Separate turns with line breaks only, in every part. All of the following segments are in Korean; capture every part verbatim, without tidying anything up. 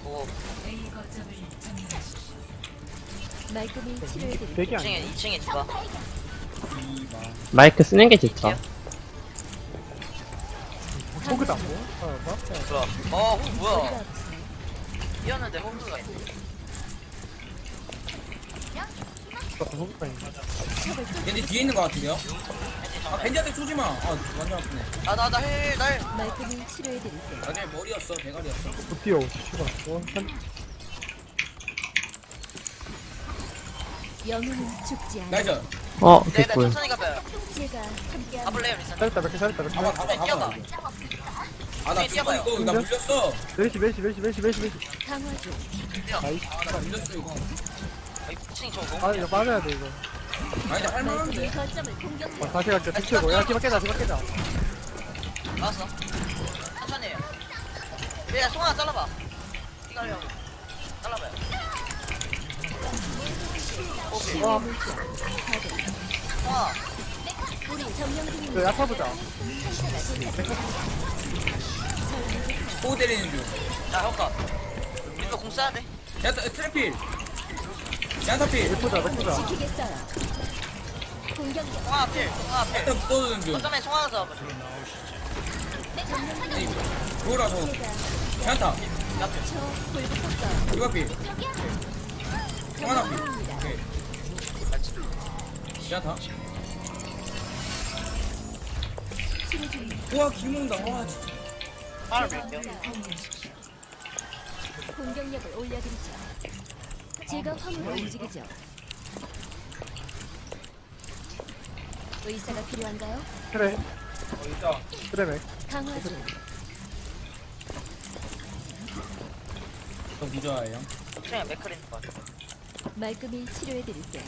오,
말끔히 치료해드릴게요.
되게 안
이 층에 이 층에 디바.
마이크 쓰는 게 좋죠.
호그다 뭐? 어, 뭐?
뭐야? 어, 호 뭐야? 이었는데 호그가 있네.
호그다 있네.
얘네 뒤에 있는 거 같은데요? 아 벤지한테 쏘지마. 아 완전 아프네.
나나나힐 날.
말끔히 치료해드릴게요.
아 그냥 머리였어 대가리였어.
못 뛰어. 씨발. 어, 한
영웅은 죽지 않아.
나이스.
어,
네네
개꿀.
천천히 가봐요.
제가 함께합니다.
가볼래요 리산.
잘했다, 몇개 잘했다, 몇개
가봐
잘했다.
가봐
뛰어봐.
가봐. 아나
뛰어봐요.
죽어 이거 나 물렸어.
메시, 메시, 메시, 메시, 메시, 메시.
강화 중.
나이스.
아나 물렸어 이거.
이 층이 저
아,
너무.
이거 맞아야 돼, 이거.
아니 나 할만한데.
말끔히 거점을 공격해.
어, 다시 갈게. 뒤치고. 야, 기박 깨자, 기박 깨자.
나왔어. 천천히 해요. 얘 송아 잘라봐. 이거 하려고. 잘라봐요. 오케이.
와,
송아.
우리 점령
저
중입니다.
야타보자.
호구 때리는 중.
자 효과. 이거 공 써야 돼.
야 트래필. 야타필.
예쁘다, 예쁘다.
지키겠어요. 공격력.
송아 필. 송아 필.
야타 붙어주는 중.
어쩌면 송아가 잡아줘.
아니 그거라서.
제가
야타.
저 불붙었어요.
이거필. 하나필. 오케이. 야타.
치료 중입니다.
우와 기모는다. 와 진짜.
하나 밀게요.
공격력을 올려드리죠. 제가 화물을 움직이죠. 의사가 필요한가요?
그래,
어 있다.
그래, 맥.
강화 중.
저 부자예요.
층에 맥크린 거 같아.
말끔히 치료해드릴게요.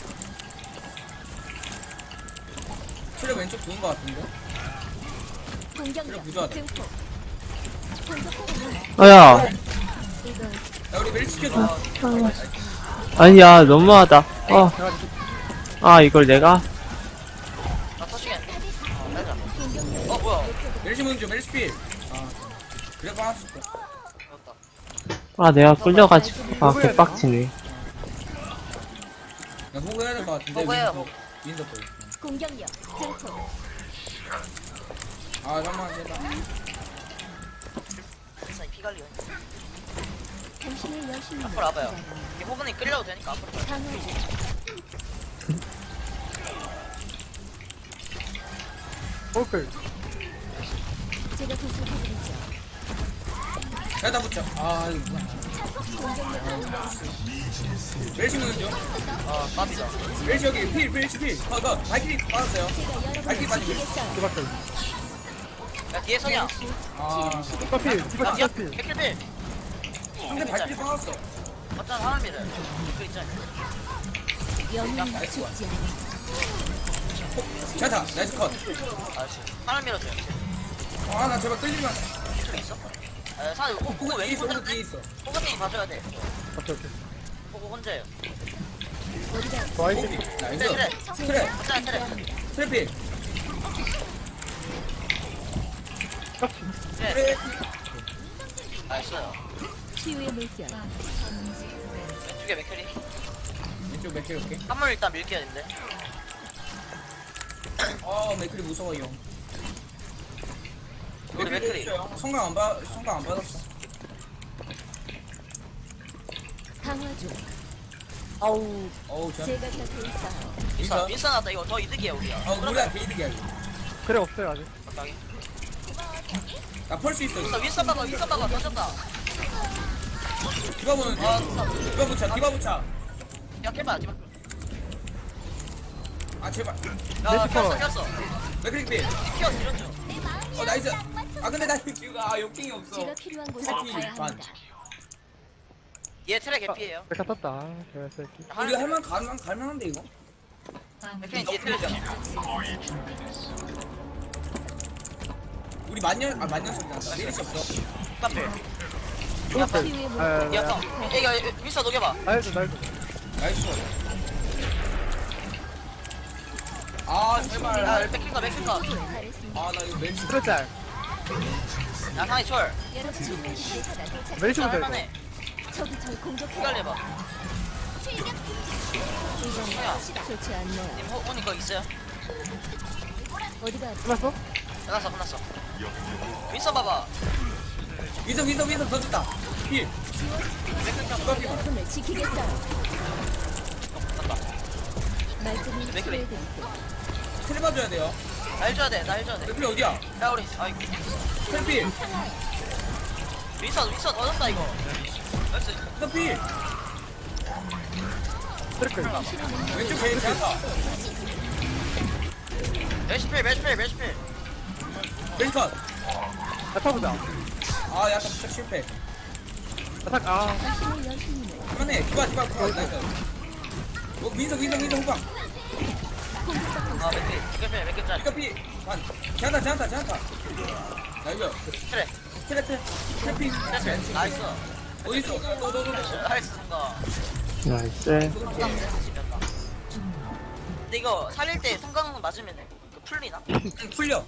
트랩 왼쪽 좋은 거 같은데.
공격력
부조하다.
증폭. 공격하고
아, 야.
이건
야 우리 멜 시켜줘.
아니야, 너무하다. 어,
내가
아, 이걸 내가?
나 터치겠네. 어, 빼자. 어, 뭐야?
멜시 문좀 멜시필. 아 그래 빠졌을 거.
죽었다.
아, 내가 끌려가지고. 아, 개빡치네.
야 호구 해야 될 거 같은데.
호구해요.
윈더 거.
공격력 증폭.
아 잠깐만 제다.
일단 피 관리.
당신의 여신을
앞으로 와봐요. 이게 호분이 끌려도 되니까 앞으로 가요.
강화 중.
호그.
제가 도착해드리죠.
야타 붙여. 아 이거 뭐야.
공격력을 올려.
멜시 문좀
아, 깝이다.
멜시 여기 필 멜시 필. 컷컷. 발길이 빠졌어요.
제가
발길이
여러분을
빠지고.
지키겠어요.
기박 깨자.
야, 뒤에 서냐?
아
디바필,
야,
디바,
뒤에
디바필.
백킬필.
상대 발길이 빠졌어.
어떤 사람이래. 그 있잖아.
영웅은 죽지 않아.
야타 나이스 컷.
아씨. 사람 밀어줘요.
아나 제발 끌리면.
이쪽에 있어? 아, 사람, 호, 호구
뒤에
왜
있어 호구
혼자?
뒤에 있어.
호구님이 봐줘야 돼.
오케이, 오케이.
호구 혼자예요.
우리가
나이스.
호구. 나이스.
그래, 그래.
그래.
혼자, 그래.
트래필.
깍지.
그래.
그래.
알았어요.
치유의 물결.
왼쪽에 맥크리.
왼쪽 맥힐 올게.
한물 일단 밀게야 되는데.
아 맥클이 무서워요.
우리 맥크리.
있어요. 성강 안 받, 성강 안 받았어.
강화 중.
아우.
어우 저.
제가 곁에 있어요.
민선,
민선?
민선 왔다. 이거 더 이득이야, 우리야.
어 우리가 게이득이야. 이거.
그래, 없어요, 아직.
적당히.
나펄수 있어.
윈선, 윈선 박아, 윈선 박아. 던졌다.
디바 보는 중.
아, 진짜.
디바 붙여. 디바 붙여.
야, 캐봐, 디바.
아 제발.
야,
메시커.
켰어, 켰어.
맥클릭 필.
키워, 이런 중.
어 나이스. 아 근데 나 지금 아 욕킹이 없어.
제가 필요한 곳으로
트래피
가야
반.
합니다.
얘 트랙 개피예요.
메카 떴다. 아, 개새끼.
우리 할만 가만 갈만한데 이거.
맥크린 뒤에 트랙이야.
우리 만년 아 만년 소리 난다. 리리시 없어.
깜필.
치유의 물결.
아,
야,
야,
형. 이거 윈선 녹여봐.
나이스, 나이스.
나이스. 아 제발.
야, 맥크린가, 맥크린가.
잘했습니다.
아 나 이거 멘트.
그래, 짤.
야, 상이 철.
여러분, 의사가 도착.
메리시 보자, 이거.
할만해.
적이 절 공격해.
헷갈려봐.
이건 좋지 않네요.
님, 호, 호니 거 있어요?
어디가 아프지?
끝났어?
끝났어, 끝났어. 윈서 봐봐.
윈서 윈서 윈서 더 줬다. 힐. 누가 피만.
여러분을 지키겠어요.
맞다.
말끔히
맥클리.
치료해드릴게요.
트레 봐줘야 돼요.
나 해줘야 돼, 나 해줘야 돼.
맥클이 어디야?
야, 우리, 아이고.
트레 필.
윈서, 윈서 넣어줬다, 이거. 나이스.
윈서 필.
트래클.
왼쪽 제일 잘한다.
멜시필, 멜시필, 멜시필.
왼컷.
야타보자.
아 약간 살짝 실패.
야타, 아.
당신의 여신님을
그만해. 디바 디바 디바. 나이스. 어 윈서 윈서 윈서 후방.
아, 맥필. 맥필, 맥필 짤.
이거 피. 반. 제한다 제한다 제한다. 나이스.
그래.
트레 트레. 트레 피.
나이스. 나이스.
어디 있어? 너너너
나이스인가.
나이스.
근데 이거 살릴 때 성광 맞으면 그 풀리나?
풀려.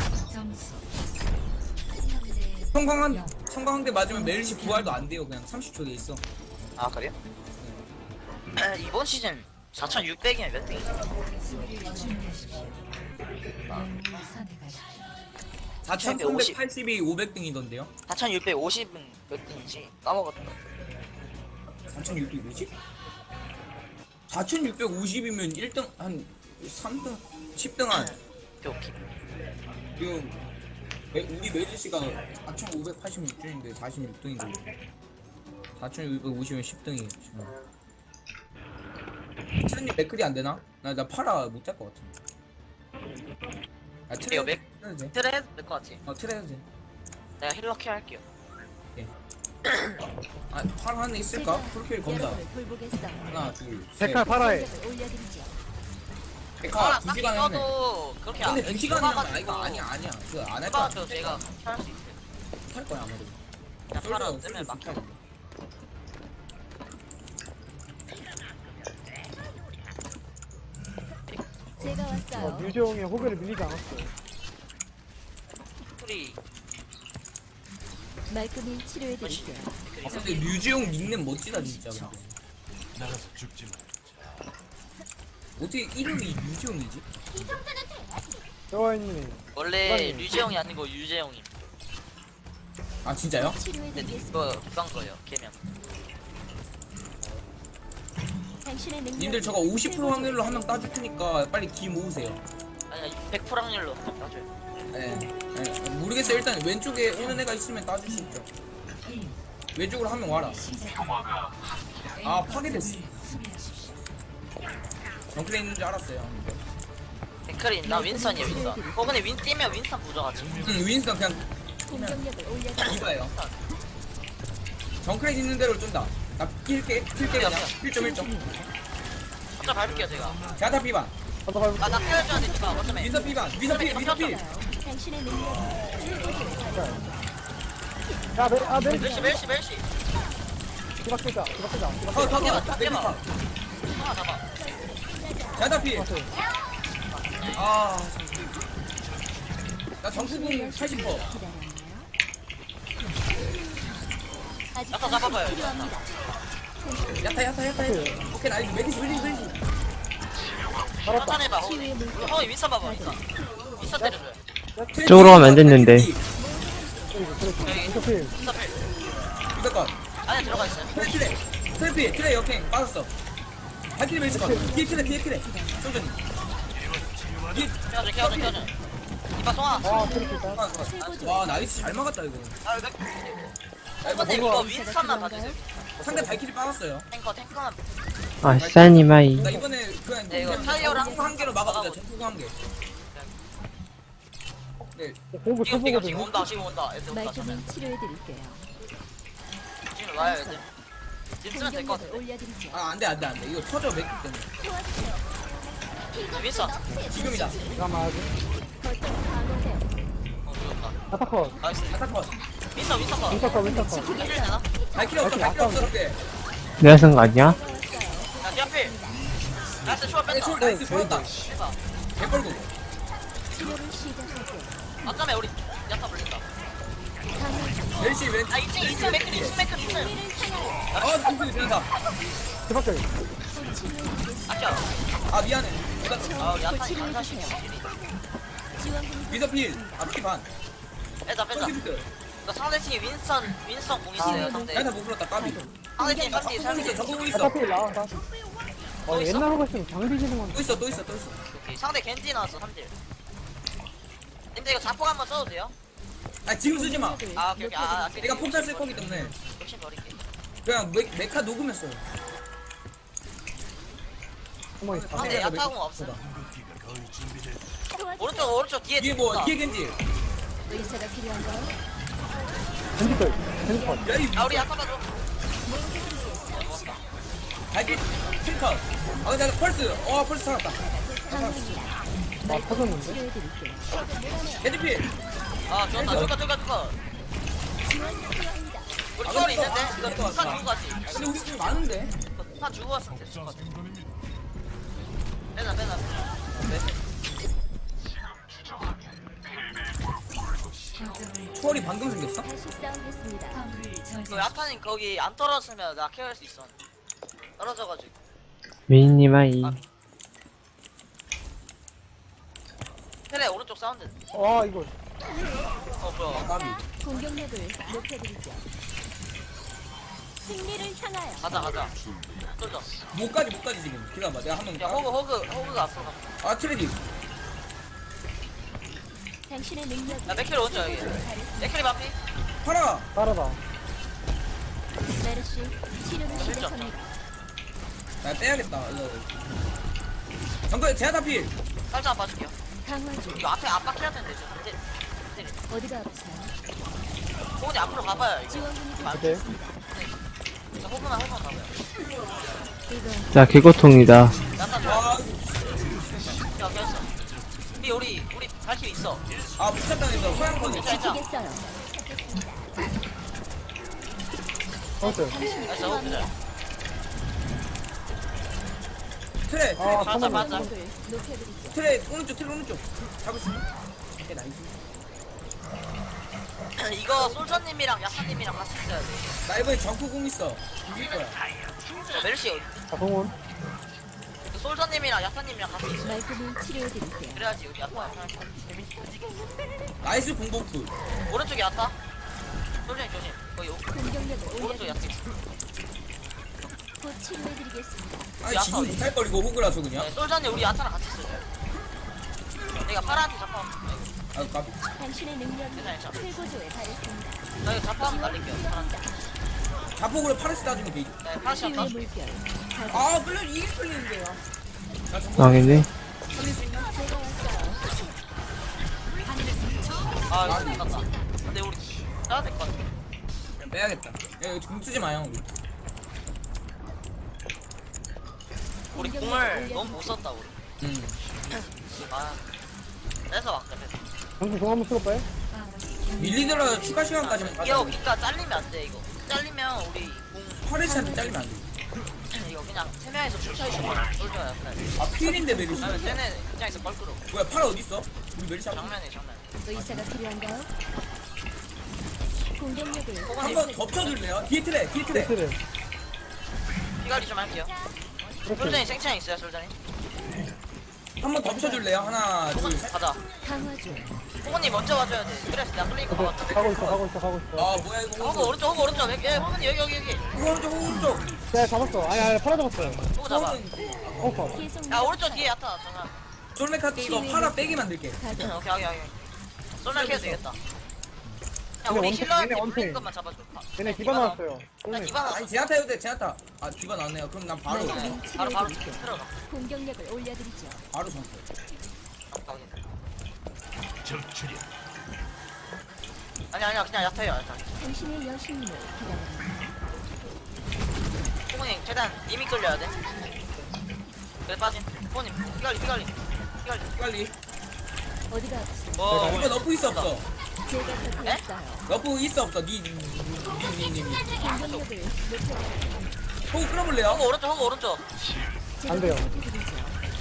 성광한 성광한대 맞으면 메르시 부활도 안 돼요. 그냥 삼십 초 돼 있어.
아, 그래요? 이번 시즌 사천육백이면 몇 등이지?
사천삼백팔십이 오백 등이던데요?
사천육백오십은 몇 등이지? 까먹었다.
사천육백오십? 사천육백오십이면 일 등 한 삼 등, 십 등 한.
오케이, 오케이.
지금 메- 우리 메르시가 사천오백팔십육 등인데 사십육 등이고 사천육백오십은 십 등이 지금. 트렌님 맥클이 안 되나? 나 나 파라 못 할 것 같은데. 아 트레
이거 맥-
해도 돼.
트레 해도 될 것 같아.
어 트레 해도 돼.
내가 힐러 케어 할게요.
아 파라 하나 있을까? 풀킬 검사.
여러분을 돌보겠어요.
하나 둘 셋.
데칼 팔아해.
공격을 올려드리죠.
데카
아,
두
딱히
시간 했네.
써도 그렇게
근데
안-
두 시간 하면
써봐가지고
이거 아니야 아니야. 그 안 할 거야.
써봐도 제가 할수 있어요.
할 거야 아마도.
그냥 팔아 뜨면 막
제가
어,
왔어요.
류재홍의 호그를 밀리지 않았어.
풀이
말끔히 치료해드릴게요.
아, 근데 류지용 닉네임 멋지다 진짜. 근데.
나가서 죽지 마.
어떻게 이름이 류지용이지?
여와이님이.
원래
부장님.
류재영이 아니고 유재영임.
아 진짜요?
근데
치료해드리겠습니다.
이거 그건 거예요. 개명.
당신의 능력.
님들 저거 오십 퍼센트 확률로 한 명 따줄 테니까 빨리 기 모으세요.
아니 백 퍼센트 확률로 따줘요.
네. 네. 모르겠어요. 일단 왼쪽에 오는 애가 있으면 따줄 수 있죠. 왼쪽으로 한 명 와라. 아 파괴됐어. 정클에 있는 줄 알았어요.
백클이 나 윈선이야 윈선. 어 근데 윈 뛰면 윈선 부져가지.
응 윈스턴 그냥
공격력을 올려드리죠.
이봐요. 정클에 있는 대로 쫀다. 나 킬게 킬게 그냥 일 점 일 점.
갑자 밟을게요 제가.
자타 피반.
가서 가서.
아나 피해줘야 되니까 어쩌면.
윈서 피반. 윈서 필 윈서 필.
당신의 능력.
야, 메, 아, 메리.
멜시 멜시 멜시.
기박 끄자. 기박 끄자. 기박
더 더
깨봐,
더.
깨봐.
컷.
하나 잡아.
자타 필.
끄자.
아. 나 정수공 팔십 퍼센트.
아직
야타 잡아봐요.
필요합니다.
야타 야타 야타 야타. 오케이 나이스 메디시 메디시 메디시.
천천해봐 호이. 호이 윈선 봐봐 윈선. 윈선 때려줘요.
쪽으로 가면 안 됐는데.
여기
인터필.
윈선 필.
이거 건.
안에 들어가 있어요.
트레 트레 트레 트레 역행 빠졌어. 발키리 메디시 건. 뒤에 트레 뒤에 트레. 소전이. 뒤에
케어줘 케어줘 케어줘. 이봐 송아.
아, 트리플 다.
와 나이스 잘 막았다 이거.
아 이거.
야, 이거
근데
뭔가
이거 윈선만 봐주세요.
상대 발키리 빠졌어요.
탱커 탱커만.
아, 시사니마이.
나 이번에 그냥
네, 이거
그냥
타이어랑
전투구 한 개로 막아보자. 전투구 한 개. 네.
공부
지금 지금
초보거든.
지금 온다 지금 온다. 애들 온다 저는.
말끔히 치료해드릴게요.
지금 와요 애들. 지금 쓰면 될 것
공격력을
같아.
올려드리죠.
아 안돼 안돼 안돼. 이거 터져 맥기 때문에.
윈선.
지금이다.
잠깐만, 아직.
거점 방어해요.
어 죽었다.
아타컷.
나이스.
아타컷.
윈선 윈선 거.
윈터컷, 윈터컷.
힐 되나?
발키리 없어 발키리 없어 그때.
내가 쓴 거 아니야?
야 디아필. 나이스 초월
네,
뺐다.
초월 나이스 보였다.
대박.
개뻘고.
치료를 시작할게요.
아까매 우리 야타 불린다.
강한
멜시 왼.
아 이층 이층 맥클 이층 맥클 이층.
아 무슨 대단다.
뒤바뀌어.
아껴.
아 미안해. 내가
아 우리 야탄이 강사시켜.
지원금
미더필. 아피 반.
빼자 빼자.
서기부터.
그 상대팀이 윈선 윈선 공 있어요 상대.
야다 못 불렀다 까비.
상대팀 삼디
있어.
삼디.
저거
야,
있어.
파필 나와. 나.
또
어,
있어?
옛날로 갔으면 장비 지는 건데.
또 있어 또 있어 또 있어.
오케이. 상대 겐지 나왔어 삼딜. 근데 이거 자폭 한번 써도 돼요?
아 지금 쓰지 마.
아 오케이 오케이. 아, 아
내가 폭탄 쓸 거기 때문에
욕심 버릴게.
그냥 메, 메카 녹으면 써요.
한번 있어.
상대 야타공 없어.
궁극기가 거의 준비됐다.
오른쪽 오른쪽 뒤에
뒤에 뭐
있다.
뒤에 겐지.
의사가 필요한가요?
겐지컬. 겐지컬.
야이
아 우리 야타 봐줘.
발길 킬컷. 아 근데 나 펄스. 어 펄스 살았다.
강합니다.
아, 터졌는데?
치료해드릴게요.
겐지필.
아 좋다 좋다 좋다 좋다. 우리 초월이 있는데 이거 폭탄 주고 가지.
근데 우리 좀 많은데.
이거 폭탄 주고 왔으면 됐을 것 같아.
생존입니다.
빼자 빼자.
초월이 방금 생겼어?
다시 싸우겠습니다.
너 야타님 거기 안 떨어지면 나 케어할 수 있어. 떨어져가지고.
미니님 아이.
테레 오른쪽 사운드.
아, 이거.
어 뭐야.
까비.
공격력을 높여드리죠. 승리를 향하여
가자 가자. 쏠져.
못까지 못까지 지금. 기다려봐. 내가 한번.
야 호그 호그 호그가 앞으로 가.
아 트레디.
당신의 능력이
야 맥킬 오른쪽 여기. 맥킬이 반피.
파라.
따라다.
메르시 치료를 시작합니다.
나 빼야겠다. 이거. 정글 제아다필.
살짝 봐줄게요.
강화 중.
이거 앞에 압박해야 되는데 저 근데.
어디가 아프세요?
호그니 앞으로 가봐요 이거.
지원금이
오케이.
부족합니다.
저 호그만 호그만 가봐요.
이건
자, 개고통이다.
야타 좋아.
아,
야 괜찮어. 우리 우리 우리 발킬 있어.
아 부착당했어. 소양권이.
괜찮아.
지키겠어요.
터졌어요.
당신의
나이스 호그 잘.
트레.
아,
맞아
터졌네.
맞아.
능력을 높여드리죠.
트레 오른쪽 트레 오른쪽. 잡을 수 있어. 오케이 나이스.
이거 솔저님이랑 야타님이랑 같이 있어야 돼.
나 이번에 정크공 있어. 이길 거야.
저 메르시 어디?
자, 동원.
그 솔저님이랑 야타님이랑 같이 있어.
말끔히 치료해드릴게요.
그래야지 우리 야타 야타.
나이스 공복풀.
오른쪽에 야타. 솔저님 조심. 거기 오-
공격력을
오른쪽 야타.
올려드리죠. 곧 치료해드리겠습니다.
아니 지금 못할 거리고 호그라서 그냥.
네, 솔저님 우리 야타랑 같이 있어요. 내가 파라한테 잡아.
아 까비.
당신의 능력이
괜찮아, 괜찮아.
최고조에 달했습니다.
나 이거 잡아 한번 날릴게요. 파란테.
필요합니다.
자폭으로 파르스 따주면 되지.
네, 파란시 야타.
치유의 물결. 가동.
아 끌려 이게 끌리는데요. 나 정글
망했네.
살릴 수 있냐?
제가 왔어요.
아 이거 끝났다. 근데 우리 짜야 될 것 같아.
그냥 빼야겠다. 야 이거 공 쓰지 마요. 우리.
우리 공을 너무 못 썼다 우리.
음.
아. 뺏어 왔다 뺏어.
정수 공 한번 쓸까요?
밀리더라 추가 시간까지만
이거
가자.
그니까 잘리면 안 돼 이거. 잘리면 우리 공
파르스한테 잘리면 안 돼.
이거 그냥 세 명이서 출사해주면 쏠져요. 그래.
아 필인데 메리시.
그러면 쟤네 입장에서 뻘끄러.
뭐야 파라 어디 있어? 우리 메리시 한
정면에 정면.
의사가 필요한가요? 공격력을
한번 덮쳐줄래요? 뒤에 트레 뒤에 트레.
베스를.
피관리 좀 할게요.
이렇게.
솔전이 생창 있어요 솔전이.
한번 덮쳐줄래요? 하나 둘
호건
셋.
가자.
강화 중.
호건이 먼저 와줘야 돼. 그래서 내가 끌리니까
오케이.
가봤다.
가고 있어, 가고 있어, 가고 있어.
아 뭐야 이거
호건 오른쪽 호건 오른쪽. 예 호건이 여기 여기 여기.
오른쪽 오른쪽.
네, 잡았어. 아니, 아니, 팔아 잡았어요.
호건 잡아.
어, 컷.
계속
야 오른쪽 뒤에 야타 정말.
솔메카트 이거 파라 빼기 만들게.
가동.
오케이 오케이 오케이. 쏠날 캐도 되겠다. 야
얘네
우리
원팩,
힐러한테
얘네
물린
원팩.
것만 잡아줘.
얘네 기반 나왔어요.
나
쫄네.
기반 왔어.
아니 제아타 해도 돼 제아타. 아 디바 나왔네요. 그럼 난 바로
말끔히
바로 바로
치료해드릴게요.
들어가.
공격력을 올려드리죠.
바로 정글.
적출이야.
아니 아니야 그냥 야타요 야타.
당신의 여신님을 기다립니다.
호건이 최대한 이미 끌려야 돼. 그래 빠짐. 호건님 피관리 피관리 피관리.
빨리.
어디가 아프세요?
뭐
이거 너프 있어 없어?
제가 곁에
에?
있어요.
너프 있어 없어? 니니니니니.
공격력을 높여드리죠.
호구 끌어볼래요?
호건 오른쪽 호건 오른쪽.
제가
안 돼요.
보살펴드리죠.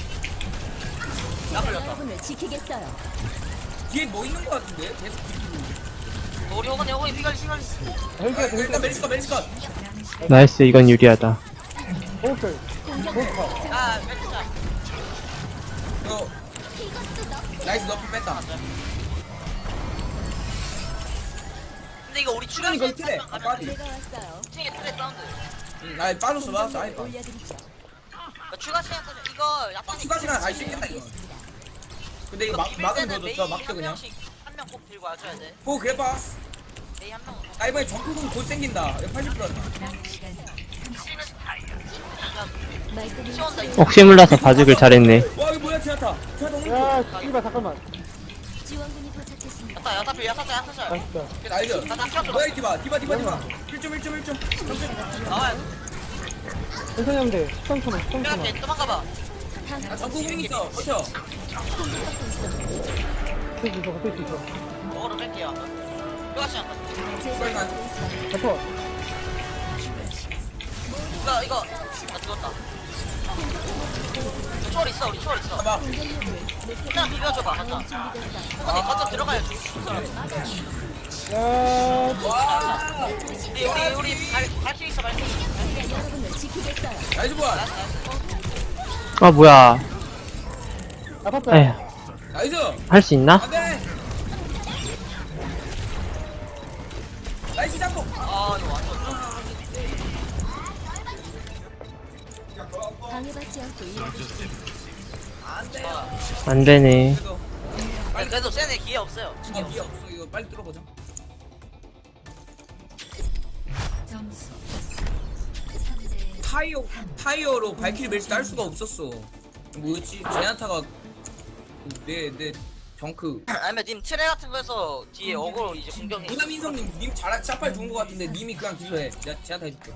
나
제가
걸렸다.
여러분을 지키겠어요.
뒤에 뭐 있는 거 같은데? 계속 뒤로.
우리 호건이 호건이 피관리 피관리.
헬기가
아, 일단
헬기가
멜시컷 멜시컷.
나이스, 이건 유리하다.
호흡을. 호흡 컷.
아 왼쪽
이거 나이스 너프 뺐다.
근데 이거 우리 추가
이거
시간
틀에
가면
빠지.
제가 왔어요.
층에 틀에 사운드
응, 나 빠졌어 빠졌어 아니 빠.
올려드리죠.
그러니까 추가 시간 쓰면 이거 약간
추가 시간 아예 씻겠다 이거. 근데 이거 막 막으면 더 좋죠. 막죠 그냥.
한 명 꼭 들고 와줘야 돼
오 그래 봐.
메이 한명
나 이번에 정크공 곧 생긴다. 이거 팔십 퍼센트.
말끔히
시원다 이거
혹시 몰라서 봐주길 잘했네.
와 이거 뭐야 지나타. 지나타 오른쪽.
야, 씨발, 잠깐만.
지원군이 도착했습니다.
야타 야타 필 야타 짤 야타 짤
맛있다.
날려.
야타 켜줘
뭐야 이 디바 디바 디바 디바. 일 점 일 점 일 점.
나와야
천천히 하면 돼. 십삼 초만, 십삼 초만.
돼 도망가봐
아 정크공 있어. 버텨.
버틸 수 있어, 버틸 수 있어.
먹으러 뺄게요 추가 시간
제가
빨리 가.
받고 있어요.
버텨.
이거 이거 나 죽었다 초월 있어 우리 초월 있어
봐봐.
공격력을
그냥 비벼줘봐 가자
준비됐어요.
호건이 거점 들어가야지
야,
와.
우리 우리 우리 발발수 있어 발수 있어
여러분을 지키겠어요.
나이스 보안.
아, 뭐야.
아팠다.
에휴,
나이스.
할 수 있나?
안돼. 나이스 잡고.
아 이거 완전
방해받지 않고 일하겠습니다.
안돼.
안 되네.
그래도
아니 그래도 쟤네 기회 없어요 기회
아, 미어
없어
없어. 이거 빨리 뚫어보자. 타이어 타이어로 발키리 멜시 딸 수가 없었어. 뭐였지? 제나타가 내내 정크.
아니면 님 트레 같은 거에서 뒤에 어그로 이제 공격이
무담인성님 님 잘 샷발 좋은 거 같은데 님이 그냥 딜러 해. 내가 제나타 해줄게.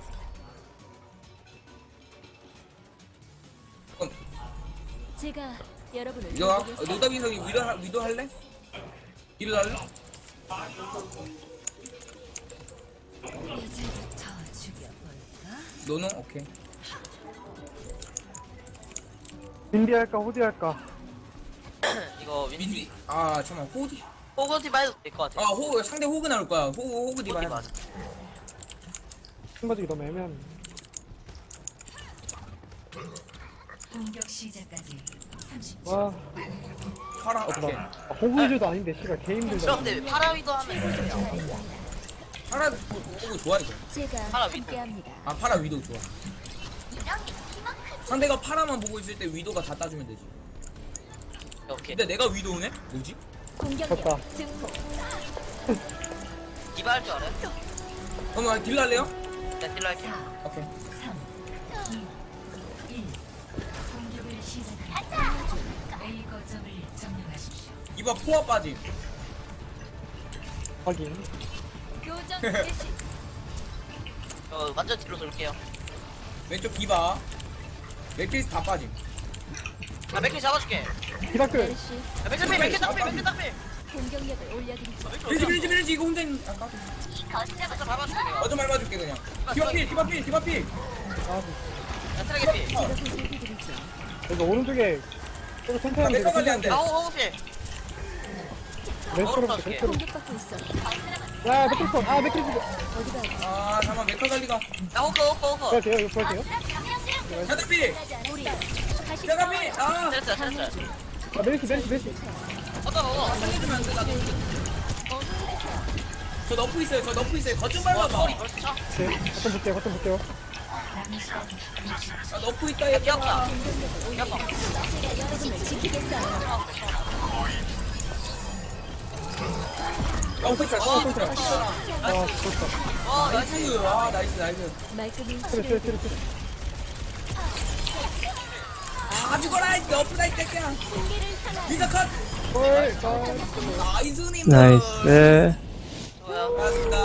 그럼
제가 여러분을
이거 하-
돕겠어요.
노담인성이 위도 하- 위도 할래? 딜러 할래? 너는 오케이.
빈디 할까, 호디 할까?
이거 윈
민디 아 잠깐 호드.
호그 팀 해도 될 것 같아
아 호그 상대 호그 나올 거야. 호그 호그 디바 해.
맞아
신바지기 너무 애매한.
공격 시작까지 삼십 초.
와,
파라 오케이.
아, 호구이즈도 아닌데, 씨발, 개 힘들다.
근데 파라위도 하면 이거
파라 호그 좋아 이거.
제가
하나 위-
함께합니다.
아 파라 위도 좋아. 상대가 파라만 보고 있을 때 위도가 다 따주면 되지.
오케이
근데 내가 위도우네? 뭐지?
졌다.
공격력 증폭.
디바 할 줄 알아요?
그럼 딜러 할래요?
네 딜러 할게요
오케이.
삼, 이, 일. 공격을 시작합니다. A 거점을 점령하십시오.
이봐 포화 빠짐.
확인.
교전 개시.
저 완전 뒤로 돌게요
왼쪽 디바. 맥크리스 다 빠짐.
아 맥키 잡아줄게
히라클.
메르시
야 맥키 필 맥키 딱필 맥키 딱필
공격력을 올려드리죠.
밀지 밀지 밀지 이거 혼자 있는. 아까
거점 밟아줄게 내가
어좀 밟아줄게 그냥. 디바 필 디바 필 디바 필.
아,
야 트레 필
제가 보살펴드리죠.
여기 오른쪽에 조금 천천히
아,
하면
맥커 관리 안
돼.
돼.
아우 호그 필
왼쪽으로 볼게, 왼쪽으로.
공격받고 있어요.
야, 맥크리스, 아, 맥크리스.
어디가 있어?
아 잠깐 맥커 관리가.
야 호그 호그 호그
볼게요, 이거 볼게요.
자다 필.
우리 다시
자다 필. 아
트레스 트레스
아, 메리시, 메리시, 메리시.
어떤 먹어
살려주면 안 돼. 나도. 저 너프 있어요. 저 너프 있어요. 거좀
와
밟아봐.
초월이 벌써 차
네, 어떤 볼게요, 어떤 볼게요.
아 너프 있다
야
얘.
기억자 기억자
제가 여러분을 지키겠어요.
너프 있어. 너프 있어.
아, 좋다.
와 나이스
나이스. 아 나이스 나이스.
말끔히
트레, 트레, 트레, 트레.
다 죽어라 이 너프다 이 새끼야. 미자 컷.
헐, 헐.
나이스님.
나이스.
좋아요
고맙습니다.